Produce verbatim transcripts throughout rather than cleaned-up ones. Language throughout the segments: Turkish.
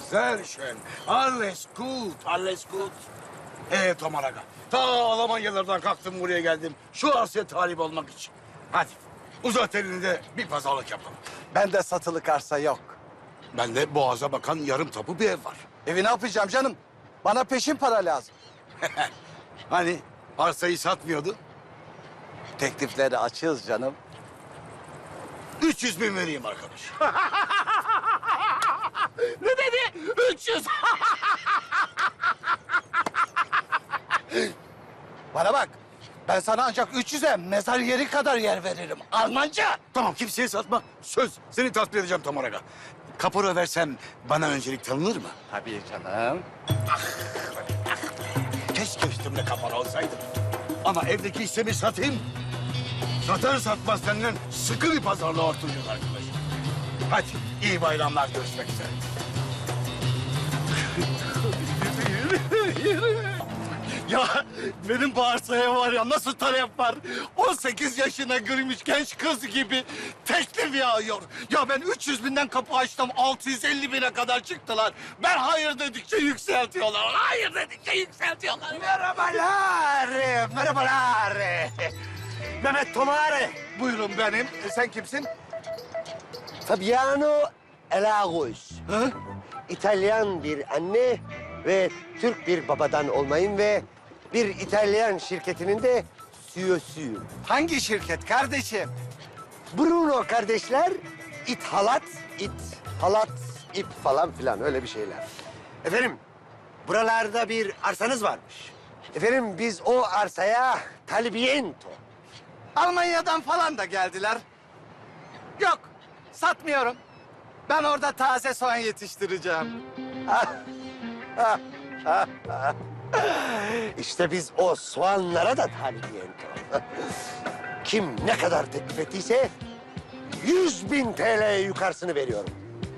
sehr schön. Alles gut, alles gut. Ee Tomar Aga, ta Almanyalardan kalktım buraya geldim. Şu arsaya talip olmak için. Hadi uzat elini de bir pazarlık yapalım. Bende satılık arsa yok. Bende boğaza bakan yarım tapu bir ev var. Evi ne yapacağım canım? Bana peşin para lazım. Hani arsayı satmıyordu? Teklifleri açığız canım. üç yüz bin vereyim arkadaş. Ne dedi? üç yüz. Bana bak. Ben sana ancak üç yüze mezar yeri kadar yer veririm. Almanca. Tamam kimseye satma. Söz seni tasfiye edeceğim Tomar Aga. Kapora versem bana öncelik tanınır mı? Tabii canım. Keşke üstümde kapora olsaydı. Ama evdeki hissemi satayım. Satar satmaz senden sıkı bir pazarlığa oturacağız arkadaş. Hadi iyi bayramlar, görüşmek üzere. Ya benim bu arsaya var ya nasıl talep var? on sekiz yaşına girmiş genç kız gibi teklif yağıyor. Ya ben üç yüz binden kapı açtım, altı yüz elli bine kadar çıktılar. Ben hayır dedikçe yükseltiyorlar, hayır dedikçe yükseltiyorlar. Merhabalar, merhabalar. Mehmet Tomare. Buyurun benim. E, sen kimsin? Fabiano Elagos. Hı? İtalyan bir anne ve Türk bir babadan olmayım ve bir İtalyan şirketinin de C E O'suyum. Hangi şirket kardeşim? Bruno kardeşler, ithalat, it, halat, ip falan filan öyle bir şeyler. Efendim, buralarda bir arsanız varmış. Efendim biz o arsaya talbiento. Almanya'dan falan da geldiler. Yok, satmıyorum. Ben orada taze soğan yetiştireceğim. İşte biz o soğanlara da talbiento. Kim ne kadar teklif ettiyse yüz bin T L yukarısını veriyorum.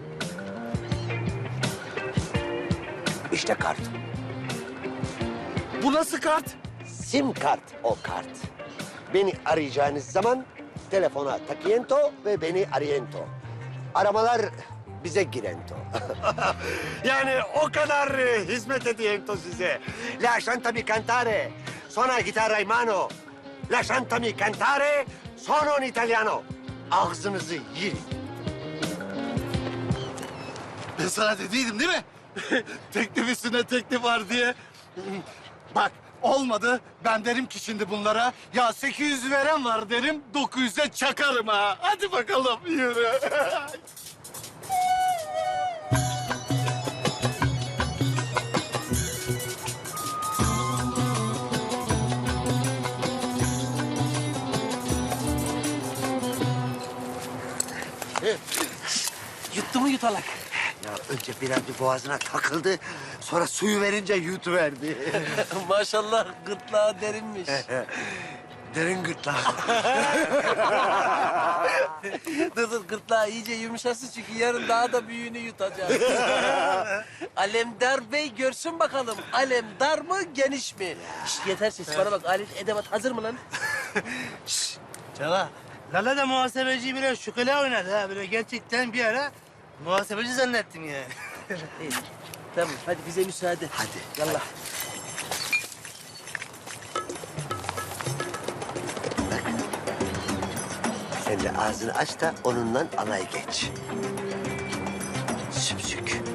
İşte kart. Bu nasıl kart? Sim kart o kart. Beni arayacağınız zaman telefona takiento ve beni arayento. Aramalar bize girento. Yani o kadar e, hizmet ediento size. Lasciatemi cantare, suona chitarra in mano. Lasciatemi cantare, sono un italiano. Ağzınızı yiyin. Ben sana dediydim değil mi? Teklif üstüne teklif var diye. Bak olmadı. Ben derim ki şimdi bunlara ya sekiz yüz veren var derim, dokuz yüze çakarım ha. Hadi bakalım yürü. Yuttu mu yutalak? Ya önce biraz bir boğazına takıldı, sonra suyu verince yutuverdi. Maşallah gırtlağı derinmiş. Derin gırtlak. dur dur gırtlağı iyice yumuşasın çünkü yarın daha da büyüğünü yutacağım. Alemdar Bey görsün bakalım. Alem dar mı geniş mi? Şişt, yeter ses bana bak alet edevat hazır mı lan? Çava, Lala da muhasebeci biraz şukala oynadı ha. Böyle gerçekten bir ara muhasebeci zannettim ya. İyi. Tamam hadi bize müsaade. Hadi. Yallah. Sen de ağzını aç da onunla alay geç. Sümsük.